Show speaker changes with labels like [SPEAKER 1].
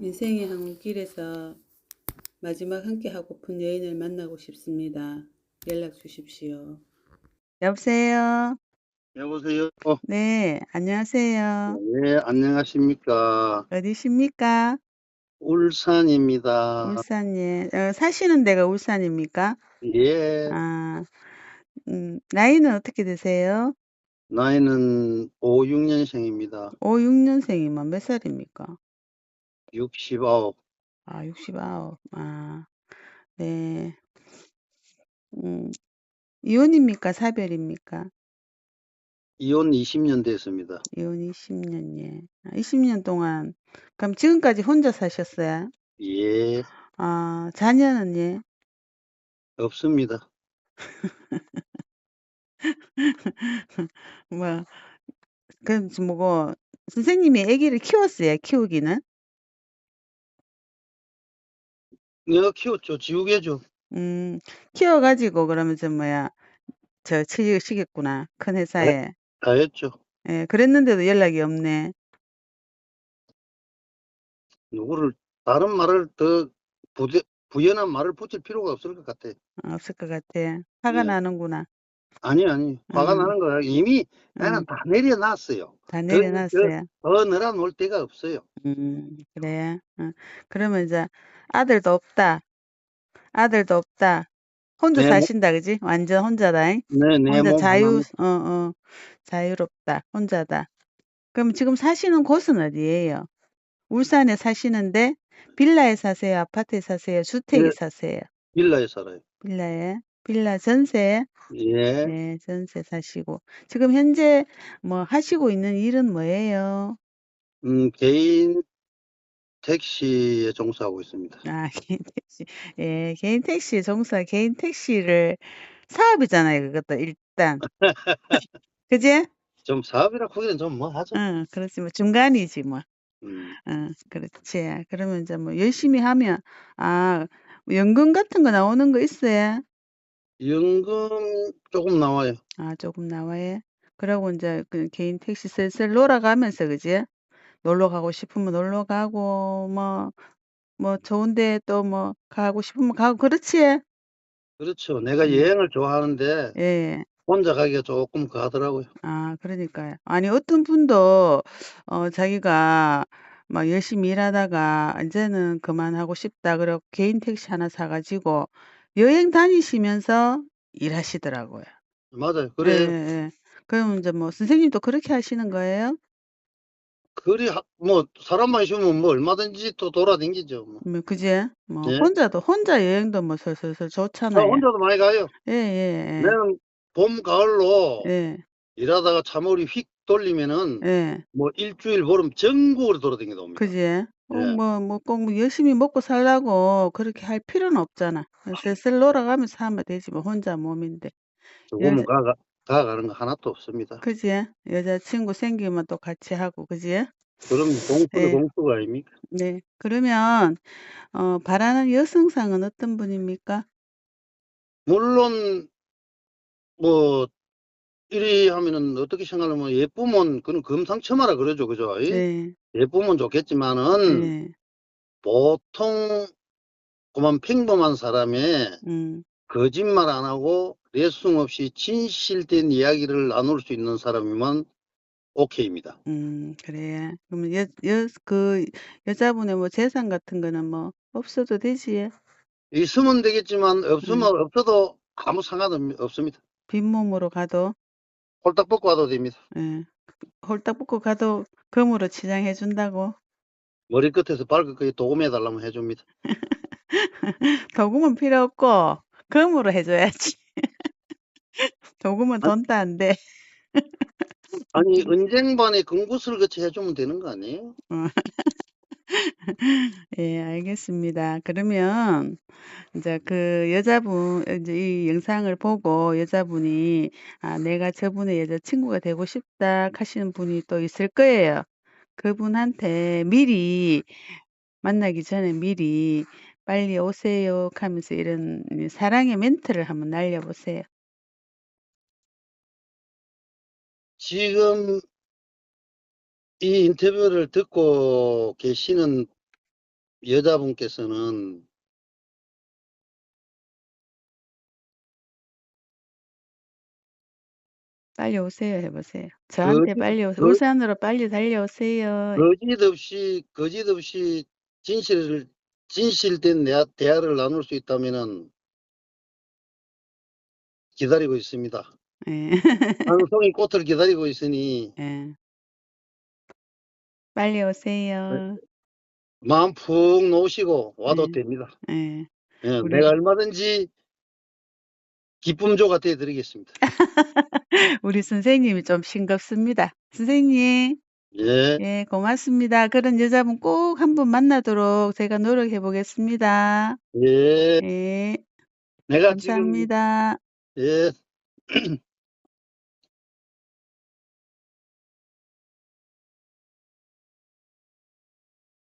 [SPEAKER 1] 인생의 항길에서 마지막 함께 하고픈 여인을 만나고 싶습니다. 연락 주십시오. 여보세요?
[SPEAKER 2] 여보세요.
[SPEAKER 1] 네, 안녕하세요.
[SPEAKER 2] 네, 안녕하십니까.
[SPEAKER 1] 어디십니까?
[SPEAKER 2] 울산입니다.
[SPEAKER 1] 울산에, 사시는 데가 울산입니까?
[SPEAKER 2] 예,
[SPEAKER 1] 아, 나이는 어떻게 되세요?
[SPEAKER 2] 나이는 56년생입니다.
[SPEAKER 1] 56년생이면 몇 살입니까?
[SPEAKER 2] 69.
[SPEAKER 1] 아, 69. 아, 네. 음, 이혼입니까? 사별입니까?
[SPEAKER 2] 이혼 20년 됐습니다.
[SPEAKER 1] 이혼 20년, 예. 20년 동안, 그럼 지금까지 혼자 사셨어요?
[SPEAKER 2] 예,
[SPEAKER 1] 아, 자녀는 예.
[SPEAKER 2] 없습니다.
[SPEAKER 1] 뭐, 그럼 뭐고, 선생님이 아기를 키웠어요, 키우기는?
[SPEAKER 2] 내가 키웠죠. 지우개죠.
[SPEAKER 1] 음, 키워가지고, 그러면 취직시켰구나, 큰
[SPEAKER 2] 다,
[SPEAKER 1] 회사에.
[SPEAKER 2] 다 했죠.
[SPEAKER 1] 예, 그랬는데도 연락이 없네.
[SPEAKER 2] 누구를, 다른 말을 더 부연한 말을 붙일 필요가 없을 것 같아.
[SPEAKER 1] 없을 것 같아. 화가
[SPEAKER 2] 예.
[SPEAKER 1] 나는구나.
[SPEAKER 2] 아니. 화가
[SPEAKER 1] 음,
[SPEAKER 2] 나는 거야. 이미 나는
[SPEAKER 1] 음,
[SPEAKER 2] 다 내려놨어요.
[SPEAKER 1] 다
[SPEAKER 2] 더, 더,
[SPEAKER 1] 내려놨어요.
[SPEAKER 2] 더 늘어놓을 데가 없어요.
[SPEAKER 1] 그래. 그러면 이제 아들도 없다. 아들도 없다. 혼자
[SPEAKER 2] 내,
[SPEAKER 1] 사신다, 그지? 완전 혼자다.
[SPEAKER 2] 내
[SPEAKER 1] 혼자
[SPEAKER 2] 몸 하나입니다.
[SPEAKER 1] 자유롭다. 혼자다. 그럼 지금 사시는 곳은 어디예요? 울산에 사시는데 빌라에 사세요? 아파트에 사세요? 주택에
[SPEAKER 2] 예,
[SPEAKER 1] 사세요?
[SPEAKER 2] 빌라에 살아요.
[SPEAKER 1] 빌라에? 빌라 전세?
[SPEAKER 2] 예,
[SPEAKER 1] 네, 전세 사시고. 지금 현재 뭐 하시고 있는 일은 뭐예요?
[SPEAKER 2] 개인 택시에 종사하고 있습니다.
[SPEAKER 1] 아, 개인 택시. 예, 개인 택시 종사, 개인 택시를 사업이잖아요, 그것도 일단. 그지?
[SPEAKER 2] 좀 사업이라 크기는 좀 뭐 하죠.
[SPEAKER 1] 응, 그렇지. 뭐 중간이지 뭐.
[SPEAKER 2] 음,
[SPEAKER 1] 그렇지. 그러면 이제 뭐 열심히 하면, 아, 뭐 연금 같은 거 나오는 거 있어요?
[SPEAKER 2] 연금 조금 나와요.
[SPEAKER 1] 아, 조금 나와요. 그러고 이제 그 개인 택시 슬슬 놀아가면서, 그지? 놀러 가고 싶으면 놀러 가고, 뭐 좋은데 또 뭐 가고 싶으면 가고, 그렇지?
[SPEAKER 2] 그렇죠. 내가
[SPEAKER 1] 음,
[SPEAKER 2] 여행을 좋아하는데
[SPEAKER 1] 예.
[SPEAKER 2] 혼자 가기가 조금 그하더라고요.
[SPEAKER 1] 아, 그러니까요. 아니, 어떤 분도, 자기가 막 열심히 일하다가 이제는 그만하고 싶다. 그래고 개인 택시 하나 사가지고 여행 다니시면서 일하시더라고요.
[SPEAKER 2] 맞아요.
[SPEAKER 1] 예, 예,
[SPEAKER 2] 그래.
[SPEAKER 1] 예. 그럼 이제 뭐 선생님도 그렇게 하시는 거예요?
[SPEAKER 2] 뭐 사람만 있으면 뭐 얼마든지 또 돌아다니죠. 뭐.
[SPEAKER 1] 그지? 뭐
[SPEAKER 2] 예.
[SPEAKER 1] 혼자 여행도 뭐 슬슬
[SPEAKER 2] 저
[SPEAKER 1] 좋잖아요.
[SPEAKER 2] 혼자도 많이 가요.
[SPEAKER 1] 예, 예,
[SPEAKER 2] 내는 봄, 가을로
[SPEAKER 1] 예,
[SPEAKER 2] 일하다가 차머리 휙 돌리면은
[SPEAKER 1] 예, 예.
[SPEAKER 2] 뭐 일주일 보름 전국으로 돌아다니다 옵니다.
[SPEAKER 1] 그지?
[SPEAKER 2] 예.
[SPEAKER 1] 꼭 열심히 먹고 살라고 그렇게 할 필요는 없잖아. 슬슬 놀아가면서 하면 되지, 뭐, 혼자 몸인데.
[SPEAKER 2] 죽으면
[SPEAKER 1] 여자,
[SPEAKER 2] 가가는 거 하나도 없습니다.
[SPEAKER 1] 그지? 여자친구 생기면 또 같이 하고, 그지?
[SPEAKER 2] 그럼 공수도
[SPEAKER 1] 예,
[SPEAKER 2] 공수가 아닙니까?
[SPEAKER 1] 네. 그러면, 바라는 여성상은 어떤 분입니까?
[SPEAKER 2] 물론 뭐 이리 하면은 어떻게 생각하면 예쁘면 그는 금상첨화라 그러죠, 그죠? 이?
[SPEAKER 1] 네,
[SPEAKER 2] 예쁘면 좋겠지만은
[SPEAKER 1] 네,
[SPEAKER 2] 보통 그만 평범한 사람의
[SPEAKER 1] 음,
[SPEAKER 2] 거짓말 안 하고 레숭 없이 진실된 이야기를 나눌 수 있는 사람이면 오케이입니다.
[SPEAKER 1] 그래. 그러면 여자분의 뭐 재산 같은 거는 뭐, 없어도 되지.
[SPEAKER 2] 있으면 되겠지만
[SPEAKER 1] 음,
[SPEAKER 2] 없어도 아무 상관 없습니다.
[SPEAKER 1] 빈몸으로 가도,
[SPEAKER 2] 홀딱 벗고 와도 됩니다.
[SPEAKER 1] 예. 홀딱 벗고 가도 금으로 치장해 준다고.
[SPEAKER 2] 머리끝에서 발끝까지 도금해 달라면 해줍니다.
[SPEAKER 1] 도금은 필요 없고 금으로 해줘야지. 도금은
[SPEAKER 2] 아니,
[SPEAKER 1] 돈도 안 돼.
[SPEAKER 2] 아니 은쟁반에 금구슬 같이 해주면 되는 거 아니에요?
[SPEAKER 1] 어, 예, 알겠습니다. 그러면 이제 그 여자분 이제 이 영상을 보고 여자분이 아, 내가 저분의 여자친구가 되고 싶다 하시는 분이 또 있을 거예요. 그분한테 미리 만나기 전에 미리 빨리 오세요 하면서 이런 사랑의 멘트를 한번 날려보세요.
[SPEAKER 2] 지금 이 인터뷰를 듣고 계시는 여자분께서는
[SPEAKER 1] 빨리 오세요 해보세요. 저한테 빨리 오세요.
[SPEAKER 2] 거,
[SPEAKER 1] 울산으로 빨리 달려오세요.
[SPEAKER 2] 거짓 없이 진실된 대화를 나눌 수 있다면은 기다리고 있습니다.
[SPEAKER 1] 예.
[SPEAKER 2] 방송의 꽃을 기다리고 있으니
[SPEAKER 1] 예. 빨리 오세요.
[SPEAKER 2] 마음 푹 놓으시고 와도
[SPEAKER 1] 예.
[SPEAKER 2] 됩니다.
[SPEAKER 1] 예.
[SPEAKER 2] 예,
[SPEAKER 1] 우리
[SPEAKER 2] 내가 얼마든지 기쁨조가 되어드리겠습니다.
[SPEAKER 1] 우리 선생님이 좀 싱겁습니다. 선생님,
[SPEAKER 2] 예,
[SPEAKER 1] 예, 고맙습니다. 그런 여자분 꼭 한번 만나도록 제가 노력해 보겠습니다.
[SPEAKER 2] 예.
[SPEAKER 1] 예,
[SPEAKER 2] 내가 지금,
[SPEAKER 1] 감사합니다.
[SPEAKER 2] 예.